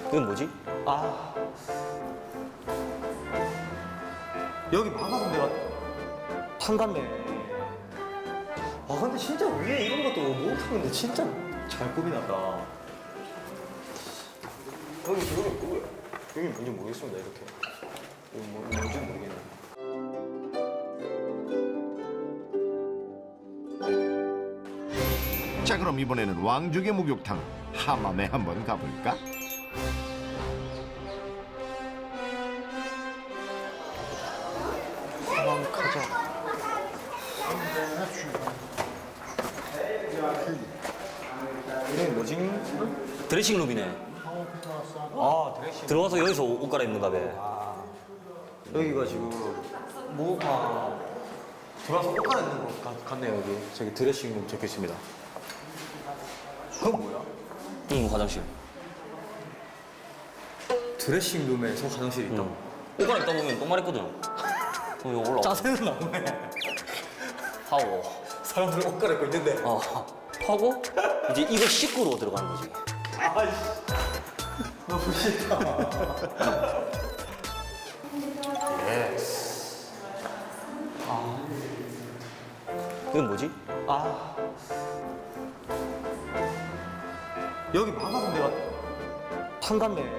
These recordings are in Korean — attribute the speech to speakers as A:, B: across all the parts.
A: 이건 뭐지?
B: 아 여기 막아서 내가 탄갔네. 아 근데 진짜 위에 이런 것도 못하는데 진짜 잘 꾸미놨다. 여기 뭐야? 여기 뭔지 모르겠습니다. 이렇게 여기 뭔지 모르겠네.
C: 자, 그럼 이번에는 왕족의 목욕탕 하맘에 한번 가볼까?
B: 한번 가자. 이게 뭐지?
A: 드레싱룸이네.
B: 아 드레싱.
A: 들어가서 여기서 옷 갈아입는가 봐.
B: 여기가 지금 들어와서 옷 갈아입는 것 같네요. 여기 저기 드레싱룸 적혀 있습니다. 그건 뭐야?
A: 응, 화장실.
B: 드레싱룸에서 화장실이 있다.
A: 옷 갈아입다 보면 똥 마렵거든. 그럼 이거 올라와.
B: 짜증은 나네.
A: 하고.
B: 사람들 옷 갈아입고 있는데.
A: 하고 이제 이거 씻고로 들어가는 거지.
B: 아이씨. 너무 싫다.
A: 이건 뭐지?
B: 여기 막아서 내가 탄갔네.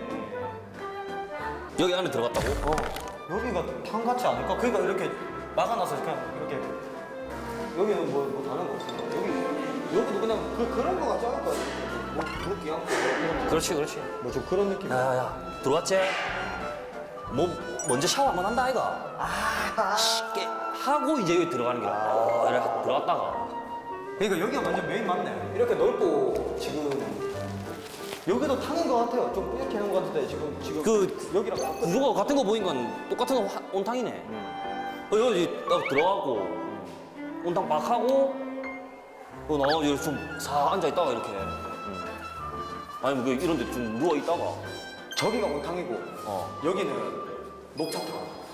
A: 여기 안에 들어갔다고?
B: 여기가 탄 같지 않을까? 그러니까 이렇게 막아놔서 그냥 이렇게 여기는 뭐 다른 거 없어. 여기도 그냥 그런 거 같지 않을까? 뭐 그렇게 하고
A: 그렇지, 그렇지.
B: 뭐 좀 그런 느낌.
A: 야야야, 들어왔지? 뭐 먼저 샤워 한번 한다 아이가? 쉽게 하고 이제 여기 들어가는 거야. 이래 들어갔다가.
B: 그러니까 여기가 완전 메인 맞네. 이렇게 넓고 지금 여기도 타는 것 같아요. 좀 이렇게 하는 것 같은데 지금
A: 그
B: 여기랑 같거든.
A: 구조가 같은 거 보니까 똑같은 온탕이네. 여기 딱 들어가고 온탕 막 하고 나와 여기 좀사 앉아 있다가 이렇게. 아니면 그 이런 데 좀 누워 있다가.
B: 저기가 온탕이고 여기는 녹차탕.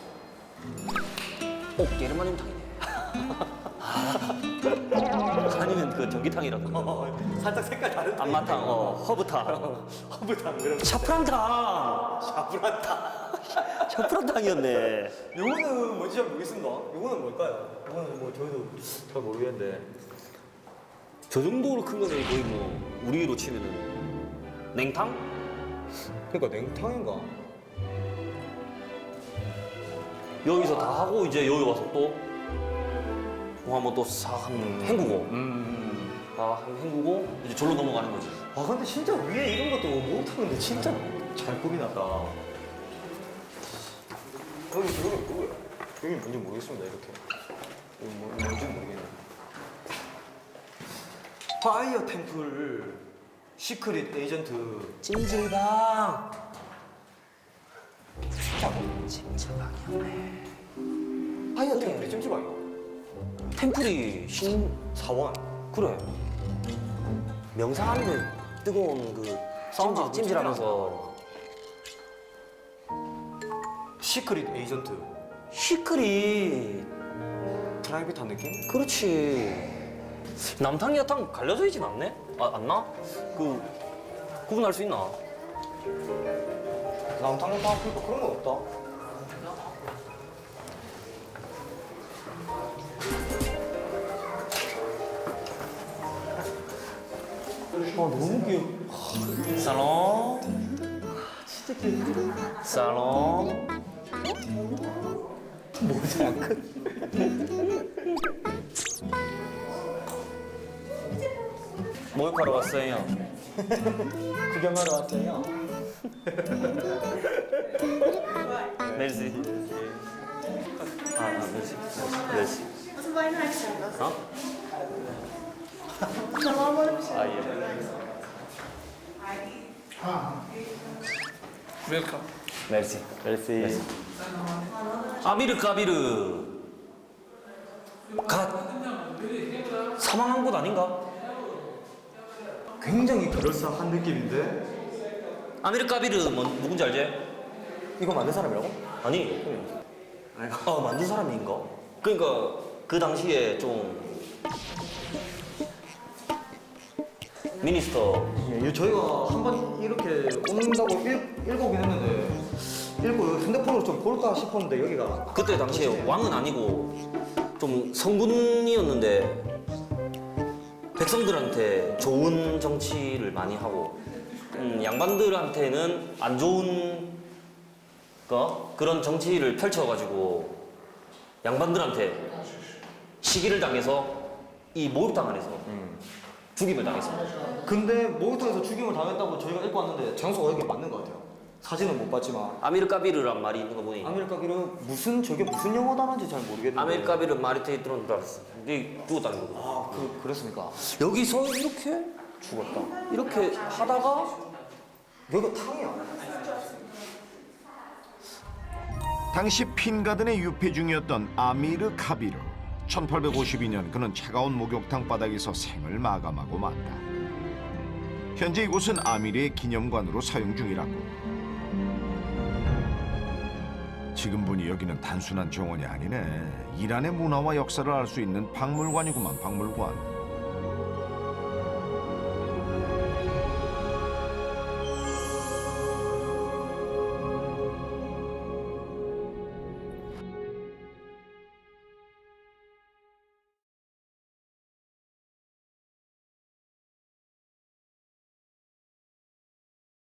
A: 게르마늄 탕이네. 아니면 그 전기탕이라고.
B: 살짝 색깔 다른
A: 안마탕, 허브탕,
B: 허브탕 이런 거.
A: 샤프란탕. 샤프란탕이었네.
B: 요거는 뭔지 잘 모르겠습니다. 요거는 뭘까요? 요거는 뭐 저희도 잘 모르겠는데.
A: 저 정도로 큰 거는 거의 뭐 우리로 치면은 냉탕?
B: 그러니까 냉탕인가?
A: 여기서 다 하고 이제 여기 와서 또 한번 또 싹 한번 헹구고 한번 hen구고 이제 절로 넘어가는 거지.
B: 아 근데 진짜 위에 이런 것도 못하는데 진짜 잘 꾸미놨다. 여기 뭐야? 여기 뭔지 모르겠습니다. 이렇게 여기 뭔지 모르겠네. 파이어 템플 시크릿 에이전트.
A: 찜질방. 찜질방이었네.
B: 파이어 템플이 찜질방이야.
A: 템플이
B: 사원.
A: 그래. 명상하는데 뜨거운 그
B: 사우나
A: 찜질하면서
B: 시크릿 에이전트.
A: 시크릿.
B: 프라이빗한 느낌?
A: 그렇지. 남탕 여탕 갈려져 있진 않네? 안 나? 구분할 수 있나?
B: 남탕 다 그러니까 그런 건 없다. 너무 귀여워.
A: 살롱.
B: 진짜 귀여워.
A: 살롱.
B: 모자이크.
A: 목욕하러 왔어요.
B: 구경하러 왔어요.
A: 멜시. 멜시. 멜시.
D: Wat een bijna uitzenden.
A: 어?
D: Normaal worden we
A: 아, 예.
E: 웰컴.
A: 멜시. 멜시. 아미르 까비르. 사망한 곳 아닌가?
B: 굉장히 그럴싸한 느낌인데?
A: 아미르 까비르 누군지 알지?
B: 이거 만든 사람이라고?
A: 아니. 만든 사람인가? 그러니까 그 당시에 좀 미니스터.
B: 예, 저희가 한 번 이렇게 온다고 읽어보긴 했는데 읽고 핸드폰으로 좀 볼까 싶었는데 여기가
A: 그때 당시에 왕은 아니고 좀 성군이었는데 백성들한테 좋은 정치를 많이 하고 양반들한테는 안 좋은 그런 정치를 펼쳐가지고 양반들한테 시기를 당해서 이 목욕탕 안에서 죽임을 당했습니다.
B: 근데 목욕탕에서 죽임을 당했다고 저희가 읽고 왔는데 장소가 여기 맞는 것 같아요. 사진은 못 봤지만
A: 아미르카비르란 말이 있는 거 보니
B: 아메리카비르 저게 무슨 영어 단어인지 잘 모르겠는데
A: 아메리카비르 마리테이트론 알았어. 근데 죽었다는 거고.
B: 아 그랬습니까?
A: 여기서 이렇게
B: 죽었다.
A: 이렇게 하다가
B: 여기가 탕이야.
C: 당시 핀가든의 유폐 중이었던 아미르 카비르. 1852년 그는 차가운 목욕탕 바닥에서 생을 마감하고 만다. 현재 이곳은 아미르의 기념관으로 사용 중이라고. 지금 보니 여기는 단순한 정원이 아니네. 이란의 문화와 역사를 알 수 있는 박물관이구만, 박물관.